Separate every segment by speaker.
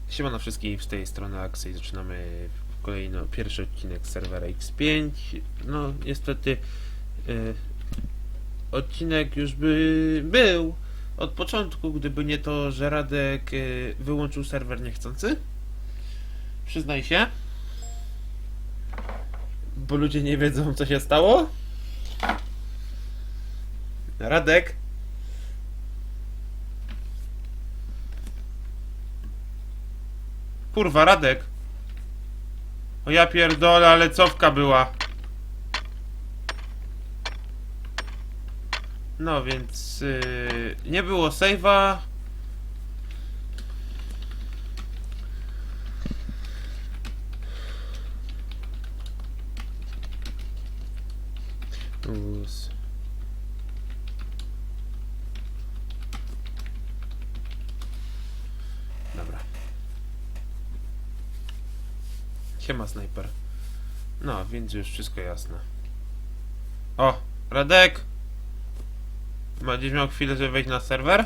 Speaker 1: Siemano wszystkich, z tej strony Axel. Zaczynamy pierwszy odcinek z serwera X5. No niestety odcinek już by był od początku, gdyby nie to, że Radek wyłączył serwer niechcący. Przyznaj się. Bo ludzie nie wiedzą, co się stało. Radek. Kurwa, Radek. O ja pierdolę, ale cofka była. No więc nie było save'a. Dobra. Siema, snajper. No, więc już wszystko jasne. O, Radek! Będziesz miał chwilę, żeby wejść na serwer?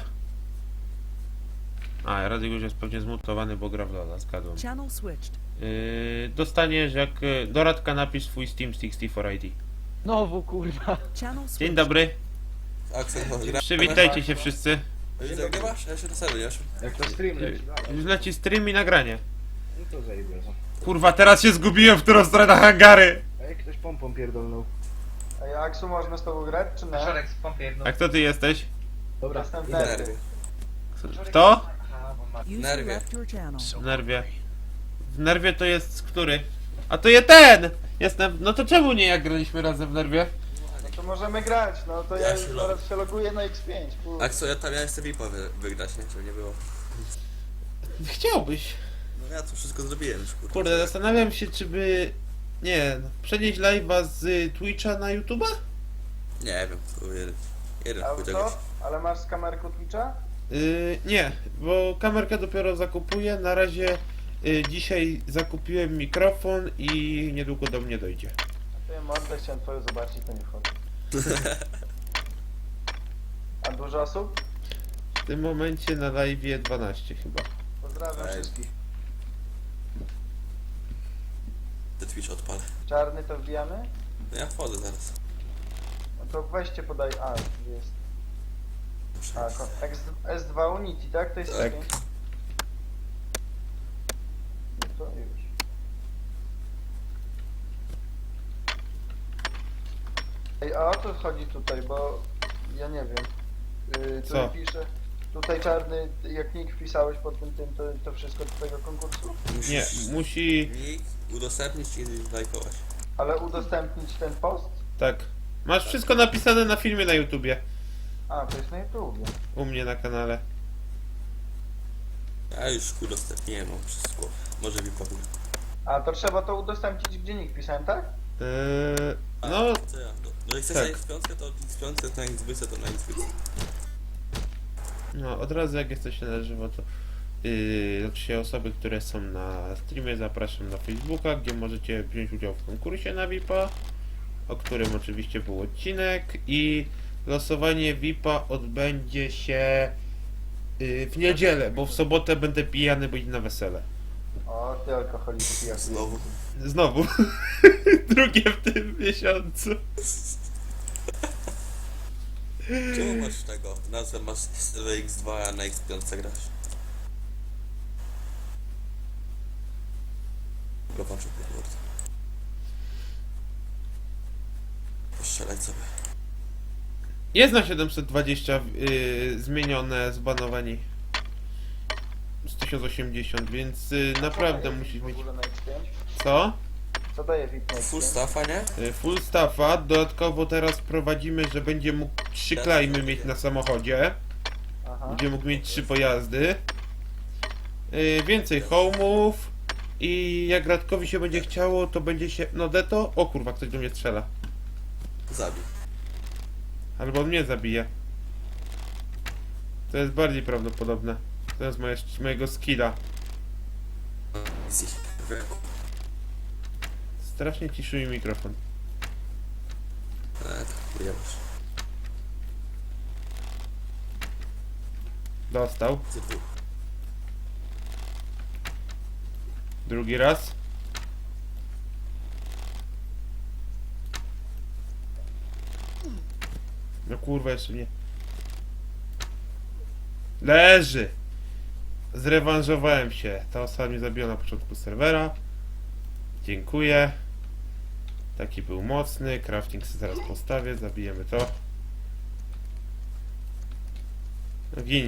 Speaker 1: A, Radek już jest pewnie zmutowany, bo gra w Lola, zgadłem. Dostaniesz, jak do Radka napisz swój Steam 64 ID.
Speaker 2: Znowu kurwa.
Speaker 1: Dzień dobry.
Speaker 3: Axel, gra.
Speaker 1: Przywitajcie się wszyscy.
Speaker 3: Widzę, gdzie masz? Ja się do serio,
Speaker 2: Jak to stream leci.
Speaker 1: Już leci stream i nagranie.
Speaker 2: No to zajebie.
Speaker 1: Kurwa, teraz się zgubiłem, w którą stronę hangary.
Speaker 2: A jak ktoś pompą pierdolnął.
Speaker 4: Ej, Aksu, można z tobą grać, czy nie?
Speaker 5: Szorek z pompy
Speaker 1: A kto ty jesteś?
Speaker 2: Dobra,
Speaker 4: Jestem w
Speaker 2: idę.
Speaker 4: nerwie.
Speaker 1: Kto?
Speaker 5: Aha, bo ma...
Speaker 3: Nerwie.
Speaker 1: W nerwie. W nerwie to jest który? A to je ten! Jestem. No to czemu nie jak graliśmy razem w nerwie?
Speaker 4: No to możemy grać, no to ja
Speaker 3: Ja
Speaker 4: już
Speaker 3: się
Speaker 4: zaraz się loguję na X5. Kurde.
Speaker 3: Axel, ja chcę VIPa wygrać, nie? Żeby nie było.
Speaker 1: Chciałbyś.
Speaker 3: No ja to wszystko zrobiłem już, kurwa.
Speaker 1: Kurde, zastanawiam się, czy by. Nie, przenieść live'a z Twitcha na YouTube'a?
Speaker 3: Nie wiem, to jeden
Speaker 4: A
Speaker 3: chuj
Speaker 4: co?
Speaker 3: czegoś.
Speaker 4: Ale masz z kamerką Twitcha?
Speaker 1: Nie, bo kamerkę dopiero zakupuję. Na razie dzisiaj zakupiłem mikrofon i niedługo do mnie dojdzie.
Speaker 4: A to ja mordę chciałem twoją zobaczyć, to nie wchodzi. A dużo osób?
Speaker 1: W tym momencie na live'ie 12 chyba.
Speaker 4: Pozdrawiam
Speaker 3: Ej.
Speaker 4: wszystkich.
Speaker 3: Te Twitch odpalę.
Speaker 4: Czarny to wbijamy?
Speaker 3: No ja wchodzę zaraz.
Speaker 4: No to weźcie podaj. A, gdzie jest? A, S2 Unity, tak? To jest
Speaker 1: Tak.
Speaker 4: X5? No to już. Ej, a o co chodzi tutaj, bo ja nie wiem.
Speaker 1: Co?
Speaker 4: Tu pisze. Tutaj czarny, jak nick wpisałeś pod tym, to wszystko do tego konkursu?
Speaker 1: Nie, musi.
Speaker 3: Nick udostępnić i lajkować.
Speaker 4: Ale udostępnić ten post?
Speaker 1: Tak. Masz wszystko napisane na filmie na YouTubie.
Speaker 4: A, to jest na YouTubie.
Speaker 1: U mnie na kanale.
Speaker 3: Ja już udostępniłem, mam wszystko. Może VIPa wygrać.
Speaker 4: A, to trzeba to udostępnić, gdzie nick wpisałem, tak?
Speaker 1: No,
Speaker 3: To ja. No jak chcesz
Speaker 1: tak.
Speaker 3: na X5, to X5, na X to na X5.
Speaker 1: no, od razu jak jesteście na żywo, to znaczy osoby, które są na streamie, zapraszam na Facebooka, gdzie możecie wziąć udział w konkursie na VIP-a, o którym oczywiście był odcinek, i losowanie VIP-a odbędzie się w niedzielę, bo w sobotę będę pijany, bo idę na wesele.
Speaker 4: O, ty alkoholiku pijak.
Speaker 3: Znowu.
Speaker 1: Znowu. Drugie w tym miesiącu.
Speaker 3: Czemu masz tego? Nazwę masz X2, a na X5 grasz? Zobaczę, kurde. Postrzelać sobie.
Speaker 1: Jest na 720 zmienione zbanowanie z 1080, więc naprawdę musisz
Speaker 4: w
Speaker 1: mieć.
Speaker 4: ogóle na X5?
Speaker 1: Co?
Speaker 4: Co daje VIP na X5?
Speaker 3: Full staffa, nie?
Speaker 1: Full staffa. Dodatkowo teraz prowadzimy, że będzie mógł 3 klejmy mieć na samochodzie.
Speaker 4: Aha.
Speaker 1: Będzie mógł mieć 3 pojazdy. Więcej home'ów. I jak Radkowi się będzie chciało, to będzie się. No deto. O kurwa, ktoś do mnie strzela.
Speaker 3: Zabij.
Speaker 1: Albo on mnie zabije. To jest bardziej prawdopodobne. To jest mojego skilla.
Speaker 3: Easy.
Speaker 1: Strasznie ciszy mi mikrofon.
Speaker 3: Tak, wyjebać.
Speaker 1: Dostał.
Speaker 3: Ty tu.
Speaker 1: Drugi raz. No kurwa, jeszcze nie. Leży! Zrewanżowałem się. Ta osoba mnie zabiła na początku serwera. Dziękuję. Taki był mocny. Crafting sobie zaraz postawię. Zabijemy to. No gin.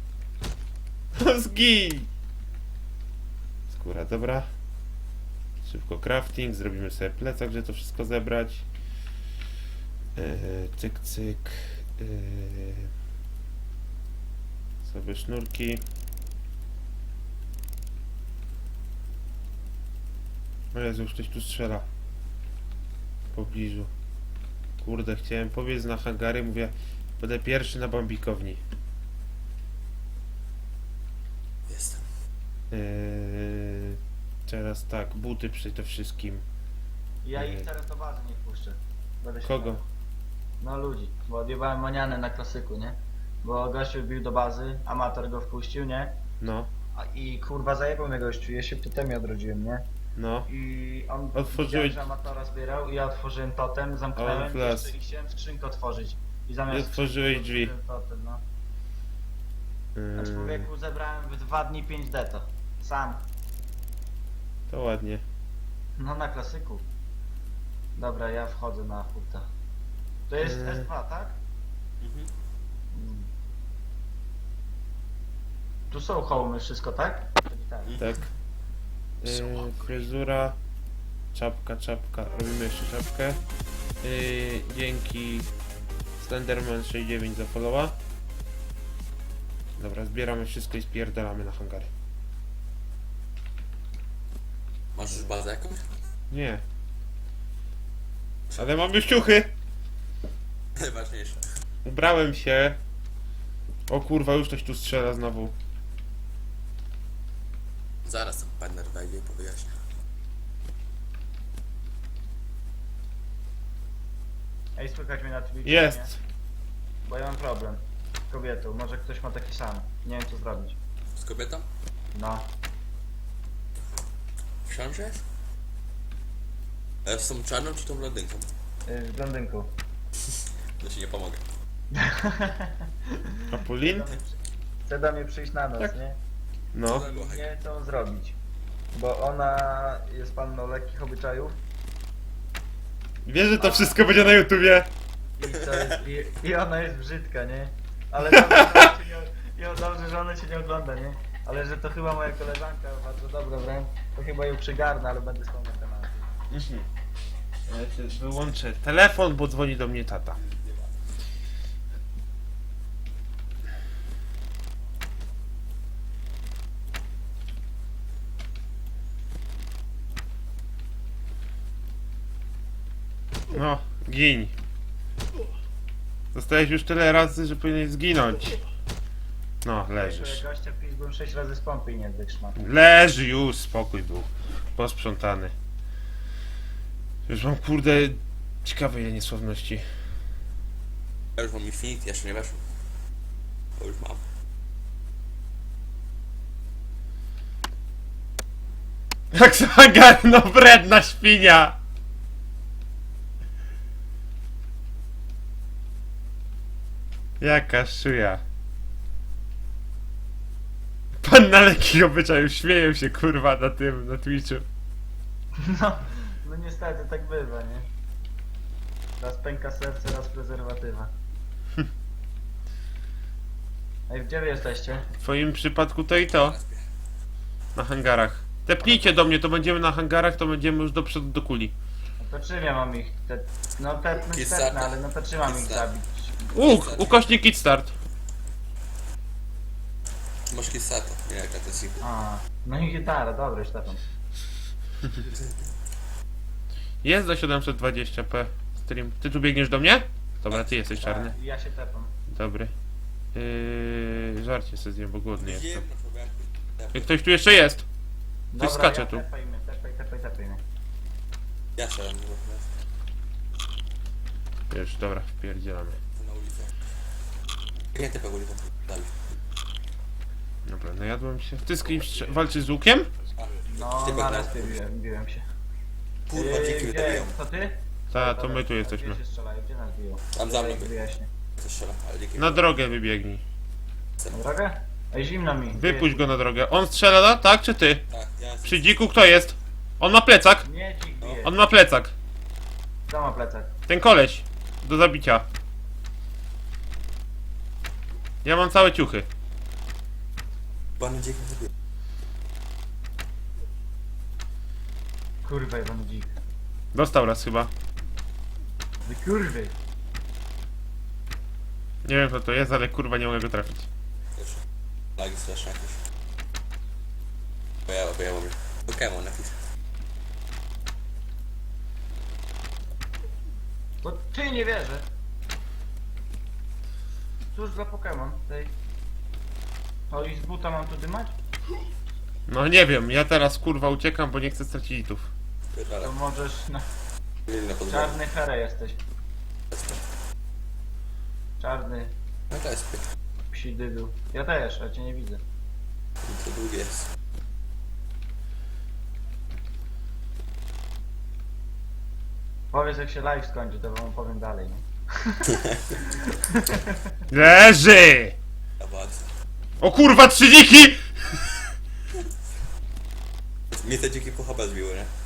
Speaker 1: Zgin! Skóra, dobra. Szybko crafting. Zrobimy sobie plecak, żeby to wszystko zebrać. Cyk, cyk. Sobie sznurki. O Jezu, już ktoś tu strzela. W pobliżu. Kurde, chciałem pobiec na hangary, mówię, będę pierwszy na bambikowni.
Speaker 3: Jestem.
Speaker 1: Teraz tak, buty przede wszystkim.
Speaker 5: Ja ich teraz do bazy nie wpuszczę. Będę się
Speaker 1: Kogo?
Speaker 5: bał. No ludzi, bo odjebałem manianę na klasyku, nie? Bo gościu wbił do bazy, amator go wpuścił, nie?
Speaker 1: No,
Speaker 5: I kurwa zajebał mnie gościu, ja się totemie odrodziłem, nie?
Speaker 1: no.
Speaker 5: I on
Speaker 1: Otworzyłeś-
Speaker 5: widział, że amatora zbierał i ja otworzyłem totem,
Speaker 1: Ale
Speaker 5: zamknąłem
Speaker 1: flas.
Speaker 5: jeszcze i chciałem skrzynkę otworzyć. I
Speaker 1: I
Speaker 5: zamiast
Speaker 1: otworzyłeś
Speaker 5: skrzynki
Speaker 1: drzwi.
Speaker 5: otworzyłem Totem, no. Na człowieku zebrałem w 2 dni 5 deto. Sam.
Speaker 1: To ładnie.
Speaker 5: No na klasyku. Dobra, ja wchodzę na hurta. To jest S2, tak?
Speaker 3: Mhm.
Speaker 5: Mm. Tu są hołmy, wszystko, tak?
Speaker 1: Tak. Fryzura. Czapka, czapka. Robimy jeszcze czapkę. Dzięki Slenderman 69 za followa. Dobra, zbieramy wszystko i spierdalamy na hangary.
Speaker 3: Masz już bazę jakąś?
Speaker 1: Nie. Ale mam już ciuchy!
Speaker 3: Najważniejsze.
Speaker 1: Ubrałem się. O kurwa, już ktoś tu strzela znowu.
Speaker 3: Zaraz ten partner wejdzie i powyjaśnia.
Speaker 5: Ej, słychać mnie na Twitchu, nie?
Speaker 1: Jest!
Speaker 5: Bo ja mam problem z kobietą, może ktoś ma taki sam. Nie wiem co zrobić.
Speaker 3: Z kobietą?
Speaker 5: No.
Speaker 3: Myślałem, że jest? Ale z tą czarną czy tą blondynką?
Speaker 5: Z blondynką.
Speaker 3: To ci nie pomogę.
Speaker 1: Apulin?
Speaker 5: Chce do mnie przyjść na noc,
Speaker 1: Tak.
Speaker 5: nie?
Speaker 1: No.
Speaker 5: I nie wiem co mam zrobić. Bo ona jest panną lekkich obyczajów
Speaker 1: Wiesz, że to wszystko będzie na YouTubie?
Speaker 5: i, co jest, i ona jest brzydka, nie? Ale dobrze, że ona cię nie, dobrze, że ona cię nie ogląda, nie? Ale że to chyba moja koleżanka, bardzo dobra wręcz, to chyba ją przygarnę, ale będę z tą na tematy.
Speaker 1: Ja się wyłączę telefon, bo dzwoni do mnie tata. No, gin. Zostałeś już tyle razy, że powinieneś zginąć. No, leżysz.
Speaker 5: Gościa pizgłem 6 razy z pompy i nie wytrzymał.
Speaker 1: Leży już, spokój był. Posprzątany. Już mam kurde ciekawe ile niesławności.
Speaker 3: Ja już mam Infinity, jeszcze nie weszło. Bo już mam.
Speaker 1: Jak zagarno wredna świnia! Jaka szyja. Pan na lekkich obyczajów śmieją się kurwa na tym, na Twitchu.
Speaker 5: No, no niestety tak bywa, nie? Raz pęka serce, raz prezerwatywa. Ej, gdzie wy jesteście?
Speaker 1: W twoim przypadku to i to. Na hangarach. Tepnijcie do mnie, to będziemy na hangarach, to będziemy już do przodu do kuli.
Speaker 5: No to czym ja mam ich? No tepnąć
Speaker 3: Kiss
Speaker 5: tepnę,
Speaker 3: start.
Speaker 5: ale no to czym mam ich
Speaker 3: Kiss start.
Speaker 5: zabić?
Speaker 1: Ukośnik Kit Start.
Speaker 3: Masz Kissato, nie jaka to jest.
Speaker 5: A, no i gitara, dobra, już tepam.
Speaker 1: Jest do 720p stream. Ty tu biegniesz do mnie? Dobra, ty jesteś czarny.
Speaker 5: Tak, ja się tepam.
Speaker 1: Dobry. Żarcie sobie zjem, bo głodny jestem.
Speaker 3: Wiem, no człowieku.
Speaker 1: Ktoś tu jeszcze jest.
Speaker 5: Dobra,
Speaker 1: skacze
Speaker 5: ja
Speaker 1: tu.
Speaker 5: tepaj mnie, tepaj mnie.
Speaker 3: Ja strzelam, nie ma
Speaker 1: Już, dobra, wpierdzielamy.
Speaker 3: na ulicę. Nie typę ulicą. Dalej.
Speaker 1: Dobra, najadłem się. Ty z kim walczysz z łukiem?
Speaker 5: No,
Speaker 3: Ty
Speaker 5: na
Speaker 3: będę-
Speaker 5: respie biłem się.
Speaker 3: Kurwa, dziki mnie
Speaker 5: Gdzie?
Speaker 3: dobiją.
Speaker 5: To ty?
Speaker 1: Ta, to my tu jesteśmy.
Speaker 5: Gdzie się strzelają? Gdzie nas biją?
Speaker 3: Tam za mną by.
Speaker 5: Wyjaśnię.
Speaker 3: To strzela, ale dziki
Speaker 1: Na drogę wybiegnij.
Speaker 5: Na drogę? Ej, zimno mi.
Speaker 1: Wypuść go na drogę. On strzela, tak czy ty?
Speaker 3: Tak, ja jestem.
Speaker 1: Przy dziku kto jest? On ma plecak.
Speaker 5: Nie dzik bije.
Speaker 1: On ma plecak.
Speaker 5: Kto ma plecak?
Speaker 1: Ten koleś. Do zabicia. Ja mam całe ciuchy.
Speaker 3: Panu dzik mnie dobił.
Speaker 5: Kurwa, jebany dzik.
Speaker 1: Dostał raz chyba.
Speaker 5: Wy kurwy.
Speaker 1: Nie wiem kto to jest, ale kurwa nie mogę go trafić.
Speaker 3: Już. Lagi straszne jakieś. Bo ja mam Pokémon jakiś.
Speaker 5: Bo ty nie wierzę. Cóż za Pokémon tej. O i z buta mam tu dymać?
Speaker 1: No nie wiem, ja teraz kurwa uciekam, bo nie chcę stracić litów.
Speaker 3: Pierdolę.
Speaker 5: To możesz na
Speaker 3: Mieli na podwórku.
Speaker 5: czarny herę jesteś. Czarny
Speaker 3: No to jest piękne.
Speaker 5: psi dydu. Ja też, a cię nie widzę.
Speaker 3: To długie jest.
Speaker 5: Powiedz jak się live skończy, to wam powiem dalej. No.
Speaker 1: Leży!
Speaker 3: Ja bardzo.
Speaker 1: O kurwa, 3 dziki!
Speaker 3: Mnie te dziki puchaba zbiły, nie?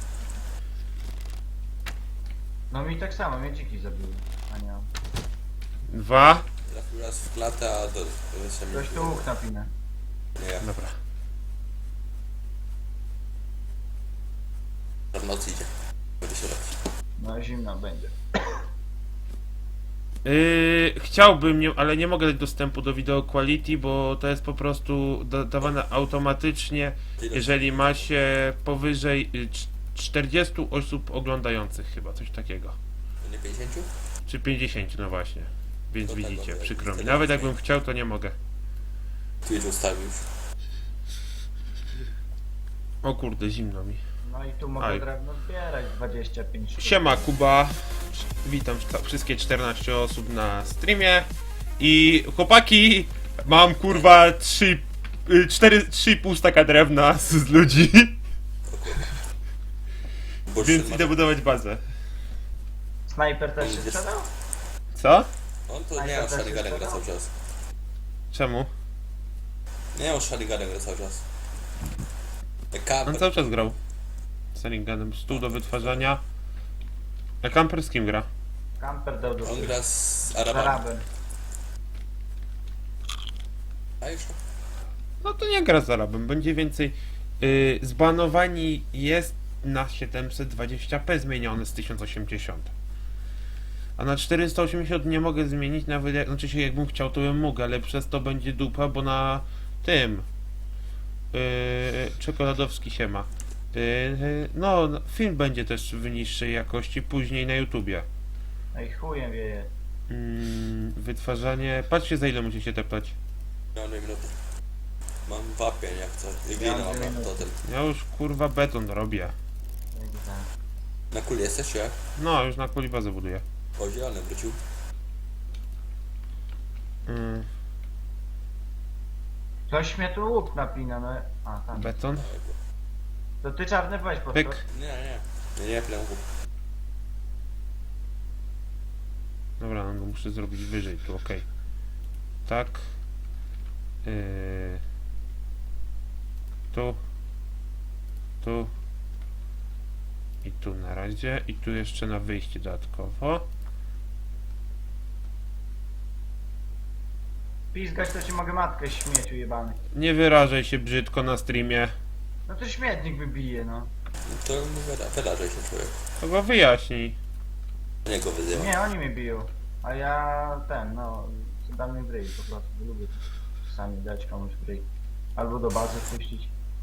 Speaker 5: No mi tak samo, mnie dziki zabiły. A nie mam.
Speaker 1: 2.
Speaker 3: Trafił raz w klatę, a do... jeszcze mnie
Speaker 5: Ktoś tu
Speaker 3: zbiło.
Speaker 5: łuk napina.
Speaker 3: Nie ja.
Speaker 1: Dobra.
Speaker 3: W nocy idzie. Będzie się robić.
Speaker 5: No zimno będzie.
Speaker 1: Chciałbym, ale nie mogę dać dostępu do video quality, bo to jest po prostu dawane automatycznie, jeżeli ma się powyżej 40 osób oglądających chyba, coś takiego.
Speaker 3: To nie 50?
Speaker 1: Czy 50, no właśnie. Więc
Speaker 3: To tego
Speaker 1: widzicie,
Speaker 3: nie-
Speaker 1: przykro mi.
Speaker 3: wtedy
Speaker 1: Nawet
Speaker 3: nie.
Speaker 1: jakbym chciał, to nie mogę.
Speaker 3: Twitch ustawił już.
Speaker 1: O kurde, zimno mi.
Speaker 5: No i tu mogę
Speaker 1: Aj.
Speaker 5: drewno zbierać 25 sztuk.
Speaker 1: Siema Kuba, witam wszystkie 14 osób na streamie i chłopaki, mam kurwa 3,5 staka drewna z ludzi,
Speaker 3: Bo
Speaker 1: więc idę budować bazę.
Speaker 5: Snajper też się
Speaker 3: Jest.
Speaker 5: sprzedał?
Speaker 1: Co?
Speaker 3: On to
Speaker 5: A
Speaker 3: nie
Speaker 5: to
Speaker 3: on
Speaker 5: też
Speaker 3: Shariganem
Speaker 5: jest
Speaker 3: gra
Speaker 5: tego?
Speaker 3: cały czas.
Speaker 1: Czemu?
Speaker 3: Nie on Shariganem gra cały czas.
Speaker 1: On
Speaker 3: Kamper.
Speaker 1: cały czas grał. Saringanem, stół do wytwarzania. A Camper z kim gra?
Speaker 5: Camper dał do
Speaker 3: On gra z
Speaker 5: z
Speaker 3: Arabami.
Speaker 5: Arabem.
Speaker 3: A już?
Speaker 1: No to nie gra z Arabem, będzie więcej. Zbanowani jest na 720p zmieniony z 1080. A na 480 nie mogę zmienić, nawet jak, znaczy się jakbym chciał, to bym mógł, ale przez to będzie dupa, bo na tym czekoladowski się ma. No, film będzie też w niższej jakości później na YouTubie.
Speaker 5: No i chujem wieje.
Speaker 1: Wytwarzanie. Patrzcie, za ile musicie tepać.
Speaker 3: Miałem 2 minuty. Mam wapień jak co. I
Speaker 5: Ja
Speaker 3: glina
Speaker 5: mam
Speaker 3: mam
Speaker 5: 2
Speaker 3: na
Speaker 5: minuty.
Speaker 3: totem.
Speaker 1: Ja już kurwa beton robię.
Speaker 5: Jak za-
Speaker 3: Na kuli jesteś jak?
Speaker 1: No, już na kuli bazę buduję.
Speaker 3: O, zielony wrócił.
Speaker 1: Yy,
Speaker 5: Ktoś mnie tu łuk napina, no. A, tam.
Speaker 1: beton.
Speaker 5: To ty czarny weź po
Speaker 1: Pyk.
Speaker 3: Nie, nie. Nie plęchu.
Speaker 1: Dobra, no muszę zrobić wyżej tu, okej. Tak. Tu. Tu. I tu na razie. I tu jeszcze na wyjście dodatkowo.
Speaker 5: Pizgać to ci mogę matkę śmieciu jebany.
Speaker 1: Nie wyrażaj się brzydko na streamie.
Speaker 5: No to śmietnik wybije, no.
Speaker 3: To wydarzaj się człowiek.
Speaker 1: To go wyjaśnij.
Speaker 3: Nie go wyzywa.
Speaker 5: Nie, oni mnie biją. A ja no, dam im w ryj po prostu, bo lubię czasami dać komuś w ryj. Albo do bazy puścić.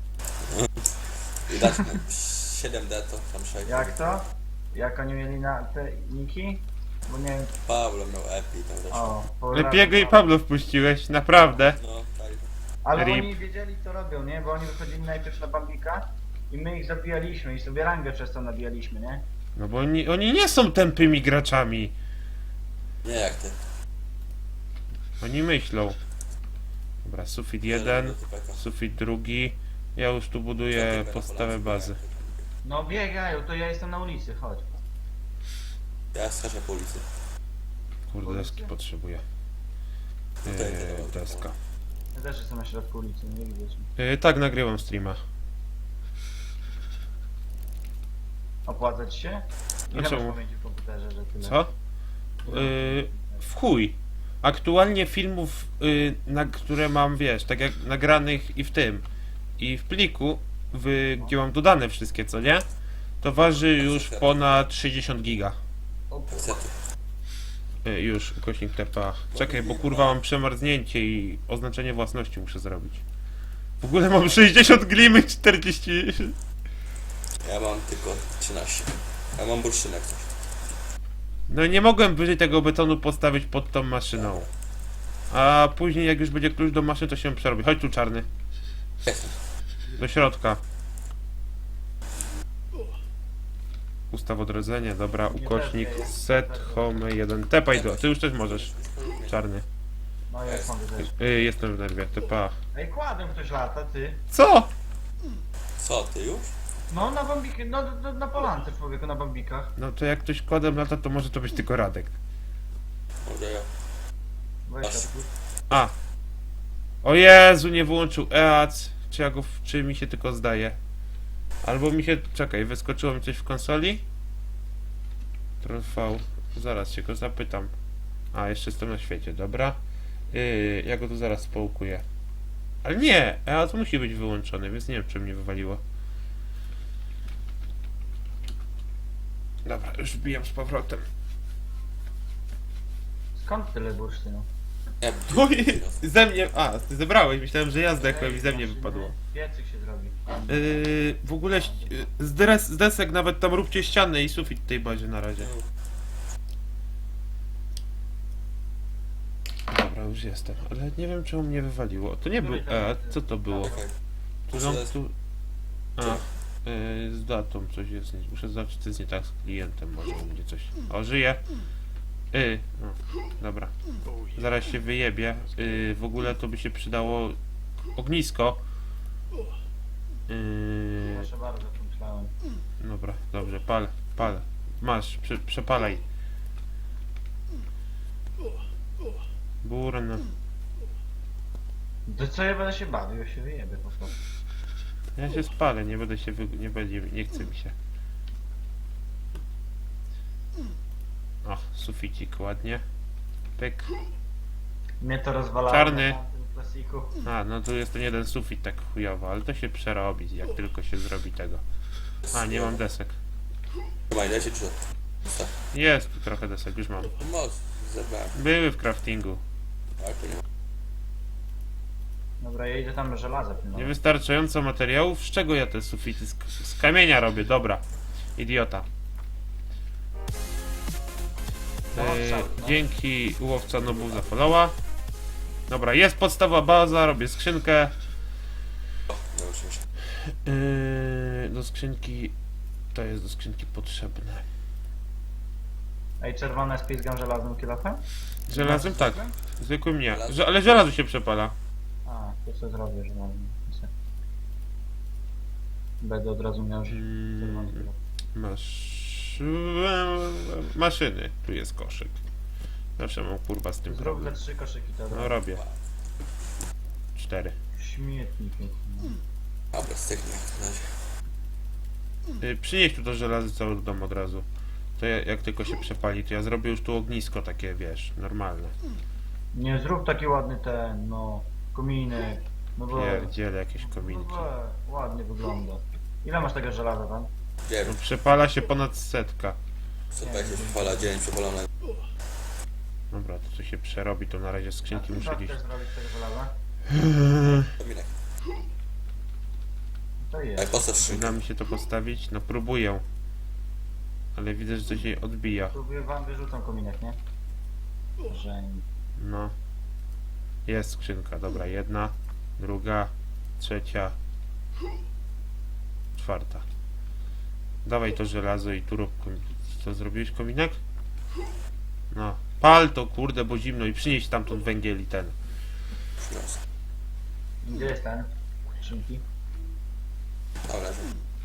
Speaker 3: I dać mu 7D to tam 6.
Speaker 5: Jak to? Jak oni mieli na te niki? Bo nie wiem,
Speaker 3: Pablo miał epi tam też.
Speaker 5: o,
Speaker 1: Lepiego i Pablo wpuściłeś, naprawdę.
Speaker 3: No, tak.
Speaker 5: Ale
Speaker 1: Rip.
Speaker 5: oni wiedzieli co robią, nie? Bo oni wychodzili najpierw na Bambika i my ich zabijaliśmy i sobie rangę przez to nabijaliśmy, nie?
Speaker 1: No bo oni nie są tępymi graczami.
Speaker 3: Nie jak ty.
Speaker 1: Oni myślą. Dobra, sufit jeden, sufit drugi, Ja już tu buduję podstawę bazy.
Speaker 5: No biegają, to ja jestem na ulicy, chodź.
Speaker 3: Ja skaczę po ulicy.
Speaker 1: Kurde, deski potrzebuję. Deska.
Speaker 5: Ja też jestem na środku ulicy, nie widać mnie.
Speaker 1: Tak, nagrywam streama.
Speaker 5: Opłacać się? Ile masz
Speaker 1: czemu?
Speaker 5: pamięci w komputerze, że tyle?
Speaker 1: Co? W chuj. Aktualnie filmów, które mam, wiesz, tak jak nagranych i w tym, i w pliku, gdzie mam dodane wszystkie, co nie? To waży już ponad 60 giga.
Speaker 3: Niestety.
Speaker 1: Już, ukośnik TPA. Czekaj, bo kurwa mam przemarznięcie i oznaczenie własności muszę zrobić. W ogóle mam 60 glimy, 40...
Speaker 3: Ja mam tylko 13. Ja mam bursztynek coś.
Speaker 1: No nie mogłem wyżej tego betonu postawić pod tą maszyną. A później jak już będzie klucz do maszyny, to się przerobi. Chodź tu, czarny.
Speaker 3: Jestem.
Speaker 1: Do środka. Ustaw odrodzenia, dobra, ukośnik set home 1. Tepaj do, ty już też możesz. Czarny.
Speaker 5: No ja już mogę też.
Speaker 1: Jestem w nerwie, tepa.
Speaker 5: Ej, kładem ktoś lata, ty.
Speaker 1: Co?
Speaker 3: Co, ty już?
Speaker 5: No na bambiki, no na polance człowieku, na bambikach.
Speaker 1: No to jak ktoś kodem lata, to może to być tylko Radek.
Speaker 3: Może ja.
Speaker 5: Weź
Speaker 3: Aż.
Speaker 5: odpuść.
Speaker 1: A! O Jezu, nie wyłączył EAC. Czy ja go, czy mi się tylko zdaje? Albo mi się, czekaj, wyskoczyło mi coś w konsoli? Trwał. Zaraz się go zapytam. A, jeszcze jestem na świecie, dobra. Ja go tu zaraz połukuję. Ale nie! EAC musi być wyłączony, więc nie wiem, czy mnie wywaliło. Dobra, już wbijam z powrotem.
Speaker 5: Skąd tyle bursztynu?
Speaker 3: Nie,
Speaker 1: Oj, ze mnie... A, ty zebrałeś, myślałem, że ja zdechłem i ze mnie wypadło.
Speaker 5: Piecyk się zrobi.
Speaker 1: W ogóle z desek nawet tam róbcie ściany i sufit w tej bazie na razie. Dobra, już jestem, ale nie wiem czemu mnie wywaliło. To nie był co to było?
Speaker 3: Czekaj.
Speaker 1: Tu, tu... A, z datą coś jest, muszę zobaczyć co jest nie tak z klientem, może będzie coś... O, żyje! No, dobra. Zaraz się wyjebie. W ogóle to by się przydało ognisko.
Speaker 5: Proszę bardzo, pomyślałem.
Speaker 1: Dobra, dobrze, pal. Masz, przepalaj. Burn.
Speaker 5: To co ja będę się bawił, ja się wyjebę po prostu.
Speaker 1: Ja się spalę, nie będę się nie chce mi się. O, suficik ładnie. Pyk.
Speaker 5: Mnie to rozwalało
Speaker 1: Czarny.
Speaker 5: na tamtym klasiku.
Speaker 1: A, no tu jest ten jeden sufit tak chujowo, ale to się przerobi, jak tylko się zrobi tego. A, nie mam desek.
Speaker 3: Trzymaj, dajcie czy...
Speaker 1: Jest tu trochę desek, już mam.
Speaker 3: Moc, zebrałem.
Speaker 1: Były w craftingu.
Speaker 3: Ale to nie ma.
Speaker 5: Dobra, ja idę tam żelaza pilnować.
Speaker 1: Niewystarczająco materiałów? Z czego ja te sufity? Z kamienia robię, dobra. Idiota. Dzięki łowca nobów za followa. Dobra, jest podstawa baza, robię skrzynkę.
Speaker 3: Nauczyłem się.
Speaker 1: Do skrzynki... To jest do skrzynki potrzebne.
Speaker 5: Ej, czerwone spizgam żelaznym kilofem?
Speaker 1: Żelazem? Tak. Zwykłym nie. Ale żelazo się przepala.
Speaker 5: A, to co zrobię żelaznym. Będę od razu miał czerwony kilof.
Speaker 1: Masz... Maszyny. Tu jest koszyk. Zawsze mam kurwa z tym
Speaker 5: Zrób
Speaker 1: problem.
Speaker 5: te 3 koszyki to
Speaker 1: No robię. 4.
Speaker 5: Śmietnik jest.
Speaker 3: Dobra, styknie na razie.
Speaker 1: Przynieś tu to żelazo cały dom od razu. To jak tylko się przepali, to ja zrobię już tu ognisko takie, wiesz, normalne.
Speaker 5: Nie, zrób taki ładny ten, no, kominek. No bo...
Speaker 1: Pierdziele jakieś kominki.
Speaker 5: No, ładnie wygląda. Ile masz tego żelaza tam?
Speaker 3: Nie
Speaker 1: No,
Speaker 3: wiem,
Speaker 1: przepala się ponad 100.
Speaker 3: co tak się przepala dzień przepalony.
Speaker 1: Dobra, to co się przerobi, to na razie skrzynki muszę
Speaker 5: Jak
Speaker 1: gdzieś...
Speaker 5: chcesz zrobić tego żelaza?
Speaker 3: Kominek.
Speaker 5: To
Speaker 3: Ej,
Speaker 5: jest.
Speaker 3: postaw
Speaker 1: Uda
Speaker 3: szynkę.
Speaker 1: mi się to postawić? No próbuję. Ale widzę, że coś jej odbija.
Speaker 5: Próbuję wam wyrzucam kominek, nie? Że...
Speaker 1: No. Jest skrzynka, dobra, jedna, druga, trzecia, czwarta. Dawaj to żelazo i tu rób co, zrobiłeś kominek? No. Pal to kurde, bo zimno i przynieś tamtąd węgiel i ten.
Speaker 3: Przyniosę.
Speaker 5: Gdzie jest ten? Szynki?
Speaker 3: pokażę.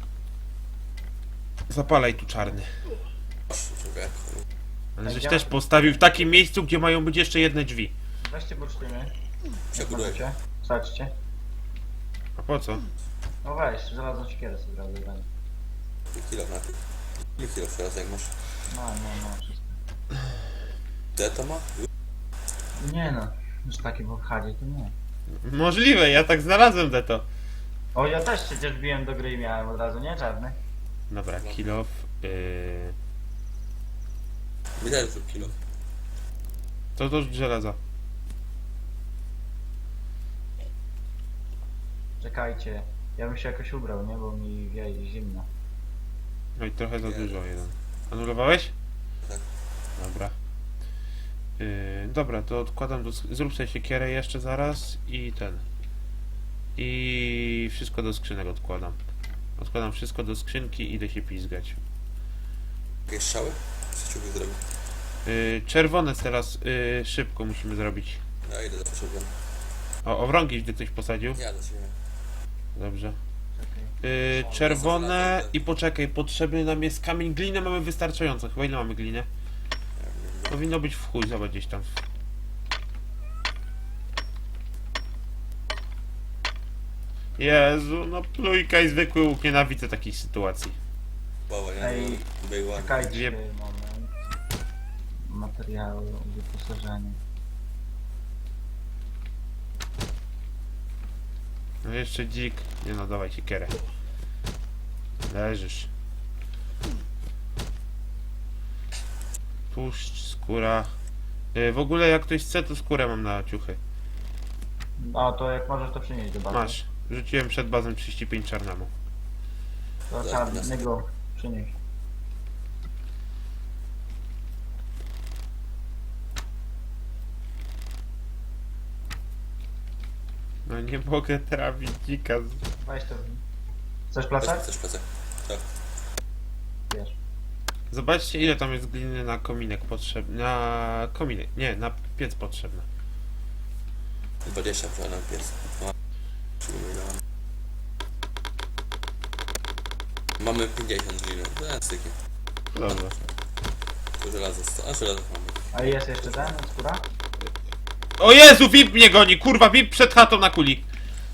Speaker 1: Zapalaj tu czarny.
Speaker 3: Proszę, człowieku.
Speaker 1: Ale żeś też postawił w takim miejscu, gdzie mają być jeszcze jedne drzwi.
Speaker 5: Weźcie bursztyny.
Speaker 3: Przebuduję.
Speaker 5: Wsadźcie.
Speaker 1: A po co?
Speaker 5: No weź, żelazną siekierę sobie zrobię.
Speaker 3: Kilo na tym. Ile kilo teraz jak masz?
Speaker 5: No, wszystko.
Speaker 3: Te to ma?
Speaker 5: Nie no, już taki w obchadzie to nie.
Speaker 1: Możliwe, ja tak znalazłem to.
Speaker 5: O, ja też przecież biłem do gry i miałem od razu, nie? Czarny.
Speaker 1: Dobra, kilof.
Speaker 3: Wiedziałem, że kilo.
Speaker 1: To żelaza.
Speaker 5: Czekajcie, ja bym się jakoś ubrał, nie? Bo mi wieje zimno.
Speaker 1: No i trochę za dużo jeden. Anulowałeś?
Speaker 3: Tak.
Speaker 1: Dobra. Dobra, to odkładam zrób sobie siekierę jeszcze zaraz i ten. I wszystko do skrzynek odkładam. Odkładam wszystko do skrzynki i idę się pizgać.
Speaker 3: Jakieś strzały? Co ciuchy zrobił?
Speaker 1: Czerwone teraz szybko musimy zrobić.
Speaker 3: Ja idę za potrzebem.
Speaker 1: O, owrągi gdy ktoś posadził.
Speaker 3: Ja do ciebie.
Speaker 1: Dobrze.
Speaker 5: Czekaj.
Speaker 1: Czerwone i poczekaj, potrzebny nam jest kamień. Glinę mamy wystarczająco. Chyba ile mamy gliny? Powinno być w chuj, zobacz gdzieś tam. Jezu, no plujka i zwykły łuk, nienawidzę takiej sytuacji.
Speaker 3: Bała, nie?
Speaker 5: Ej,
Speaker 3: Była.
Speaker 5: Czekajcie
Speaker 1: Dwie-
Speaker 5: moment. Materiały, wyposażenie.
Speaker 1: No jeszcze dzik. Nie no, dawaj siekierę. Leżysz. Tłuszcz, skóra. W ogóle jak ktoś chce, to skórę mam na ciuchy.
Speaker 5: A to jak możesz to przynieść do bazy.
Speaker 1: Masz. Rzuciłem przed bazą 35 czarnemu.
Speaker 5: To czarnego przynieś.
Speaker 1: No nie mogę trafić dzika.
Speaker 5: Weź to. Chcesz
Speaker 3: Weź
Speaker 5: placek?
Speaker 3: chcesz plecak? Tak.
Speaker 5: Wiesz.
Speaker 1: Zobaczcie ile tam jest gliny na kominek potrzebny. Na kominek. Nie, na piec potrzebne.
Speaker 3: 20 na pies. Mamy 50 gliny. To jest styki.
Speaker 1: Dobra.
Speaker 3: To żelazo. A żelazo mamy.
Speaker 5: A jest jeszcze ten, skóra?
Speaker 1: O Jezu, VIP mnie goni! Kurwa, VIP przed chatą na kuli.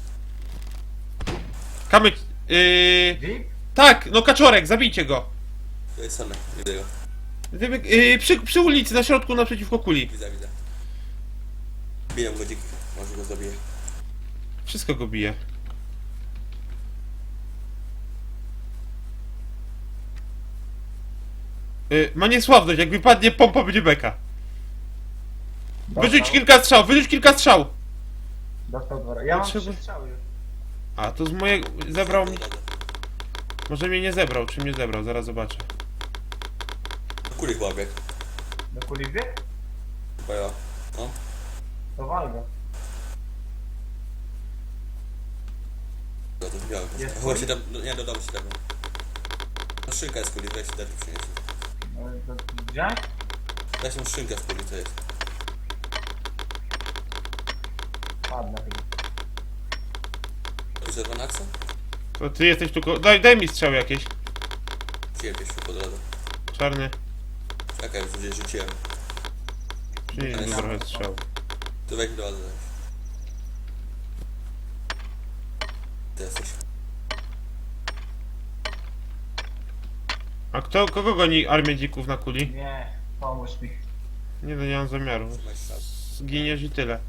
Speaker 1: Kamyk.
Speaker 5: VIP?
Speaker 1: Tak, no kaczorek, zabijcie go.
Speaker 3: To jest same. Widzę go.
Speaker 1: Wybieg, przy ulicy, na środku, naprzeciwko kuli.
Speaker 3: Widzę. Biję go dziki. Może go zabiję.
Speaker 1: Wszystko go bije. Ma niesławność, jak wypadnie pompa będzie beka. Wyrzuć kilka strzał, wyrzuć kilka strzał.
Speaker 5: Dostał dwa. Ja mam
Speaker 1: Potrzeba-
Speaker 5: 3 strzały już.
Speaker 1: A, to z mojego... zebrał mnie... Może mnie nie zebrał, czy mnie zebrał, zaraz zobaczę.
Speaker 3: Kuli chyba bieg.
Speaker 5: Do kuli wbieg?
Speaker 3: Chyba ja. No.
Speaker 5: To wal go.
Speaker 3: No to widziałem.
Speaker 5: Jest
Speaker 3: Chyba
Speaker 5: kuli?
Speaker 3: się tam... Nie, dodam się tego. No szynka jest kuli, weź dać przynieść.
Speaker 5: No, to wziąć?
Speaker 3: Daj się szynka w kuli, co jest.
Speaker 5: Ładna chyba.
Speaker 3: To jest akcja?
Speaker 1: To ty jesteś tu... Daj mi strzał jakieś.
Speaker 3: Ciebie się po drodze.
Speaker 1: Czarny.
Speaker 3: Czekaj, już gdzieś rzuciłem.
Speaker 1: Przynieś mi trochę strzał.
Speaker 3: To weź do bazy. Ty jesteś.
Speaker 1: A kogo goni armię dzików na kuli?
Speaker 5: Nie, pomóż mi.
Speaker 1: Nie no, nie mam zamiaru.
Speaker 3: Trzymaj się tam.
Speaker 1: Zginiesz i tyle.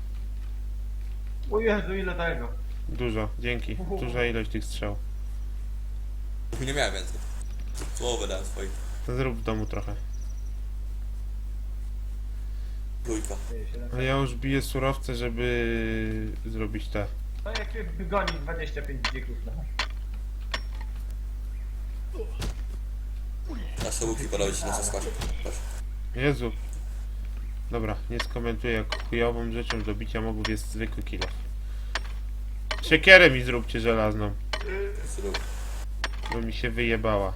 Speaker 5: O Jezu, ile tego?
Speaker 1: Dużo, dzięki. Duża ilość tych strzał.
Speaker 3: Nie miałem więcej. Połowę dałem swoich.
Speaker 1: To zrób w domu trochę.
Speaker 3: Trójka.
Speaker 5: Ty, 700.
Speaker 1: A ja już biję surowce, żeby zrobić te.
Speaker 5: To jak mnie goni 25 dzików, no.
Speaker 3: Nasze łuki porobić na składzie. Proszę.
Speaker 1: Jezu. Dobra, nie skomentuję, jak chujową rzeczą do bicia mogów jest zwykły kilo. Siekierę mi zróbcie żelazną,
Speaker 3: Zrób.
Speaker 1: bo mi się wyjebała.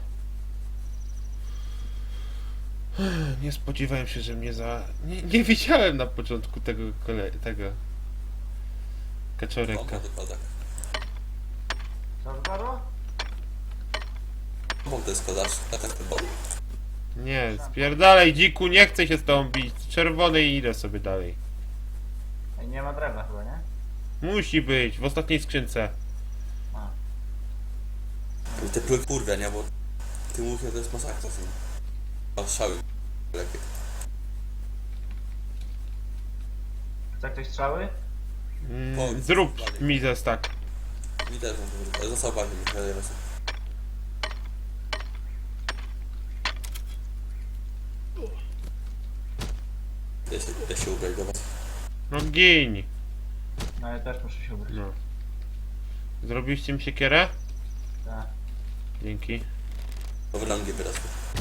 Speaker 1: Nie spodziewałem się, że mnie Nie widziałem na początku tego kaczoreka.
Speaker 3: Bomba wypada.
Speaker 5: Co wypadło?
Speaker 3: Bo to jest kozacz, tak ten bot.
Speaker 1: Nie, spierdalaj dziku, nie chcę się z tobą bić. Czerwony i idę sobie dalej.
Speaker 5: Ej, nie ma drewna chyba, nie?
Speaker 1: Musi być, w ostatniej skrzynce.
Speaker 5: A.
Speaker 3: I te pluj kurwia, nie? Bo ty mówię, to jest masakra. Mam strzały. Lepiej.
Speaker 5: Chce ktoś strzały?
Speaker 1: Zrób mi zestak.
Speaker 3: Mi też mam to. Został bardziej, mi się Ja się ubrać do was.
Speaker 1: No gin.
Speaker 5: No ja też muszę się ubrać.
Speaker 1: No. Zrobiliście mi siekierę?
Speaker 5: Tak.
Speaker 1: Dzięki.
Speaker 3: To w rangi wyrosło.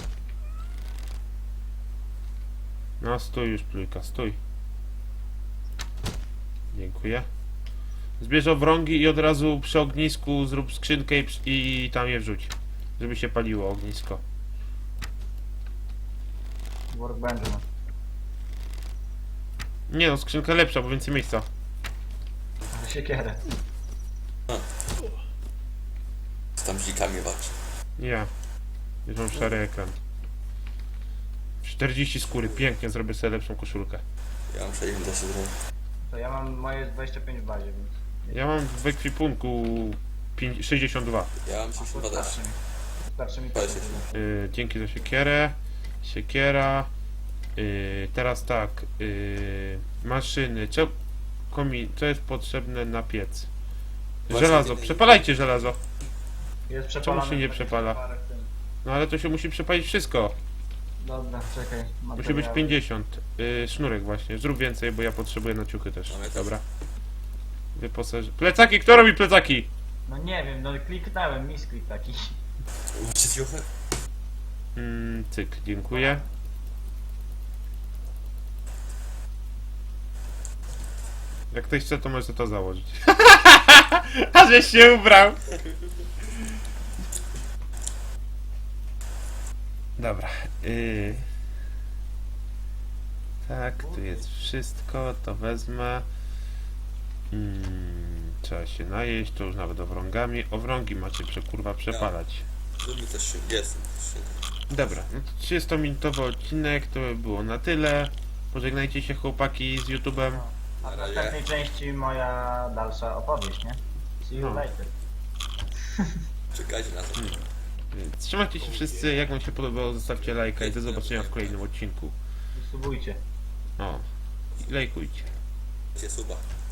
Speaker 1: No stój już plujka, stój. Dziękuję. Zbierz owrągi i od razu przy ognisku zrób skrzynkę i tam je wrzuć. Żeby się paliło ognisko.
Speaker 5: Workbench ma.
Speaker 1: Nie no, skrzynka lepsza, bo więcej miejsca.
Speaker 5: Ale siekierę.
Speaker 3: Z tam dzikami walczy.
Speaker 1: Ja. Już mam szary ekran. 40 skóry, pięknie, zrobię sobie lepszą koszulkę.
Speaker 3: Ja mam 60 da się zrobić.
Speaker 5: To ja mam moje 25 w bazie, więc...
Speaker 1: Ja mam w ekwipunku 62.
Speaker 3: Ja mam 62 też.
Speaker 5: Starczy mi. Starczy mi
Speaker 3: Weź
Speaker 5: to.
Speaker 3: się.
Speaker 1: Dzięki za siekierę. Siekiera. Teraz tak. Maszyny. Co jest potrzebne na piec?
Speaker 3: Właśnie
Speaker 1: Żelazo.
Speaker 3: nie-
Speaker 1: Przepalajcie żelazo.
Speaker 5: Jest przepalane.
Speaker 1: się nie
Speaker 5: tak
Speaker 1: przepala?
Speaker 5: parę w tym.
Speaker 1: No ale to się musi przepalić wszystko.
Speaker 5: Dobra, czekaj.
Speaker 1: Musi być
Speaker 5: materiały.
Speaker 1: 50. Sznurek właśnie. Zrób więcej, bo ja potrzebuję na ciuchy też.
Speaker 3: No, ja też.
Speaker 1: Dobra. Wyposaż... Plecaki! Kto robi plecaki?
Speaker 5: No nie wiem, no kliknąłem, misklik taki.
Speaker 3: Macie ciuchy?
Speaker 1: Cyk, dziękuję. Jak ktoś chce, to może to założyć. A żeś się ubrał! Dobra. Tak, tu jest wszystko, to wezmę. Trzeba się najeść, to już nawet owrągami. Owrągi macie kurwa przepalać.
Speaker 3: Tu mi też się jest.
Speaker 1: Dobra, no to 30-minutowy odcinek, to by było na tyle. Pożegnajcie się chłopaki z YouTube'em.
Speaker 5: A
Speaker 3: Na
Speaker 5: w
Speaker 3: razie.
Speaker 5: następnej części moja dalsza opowieść, nie? See you
Speaker 1: No.
Speaker 5: later.
Speaker 3: Czekajcie na to.
Speaker 1: Więc trzymajcie się wszyscy, jak wam się podobało, zostawcie lajka i do zobaczenia w kolejnym odcinku.
Speaker 5: Subujcie.
Speaker 1: O, i lajkujcie.
Speaker 3: Suba.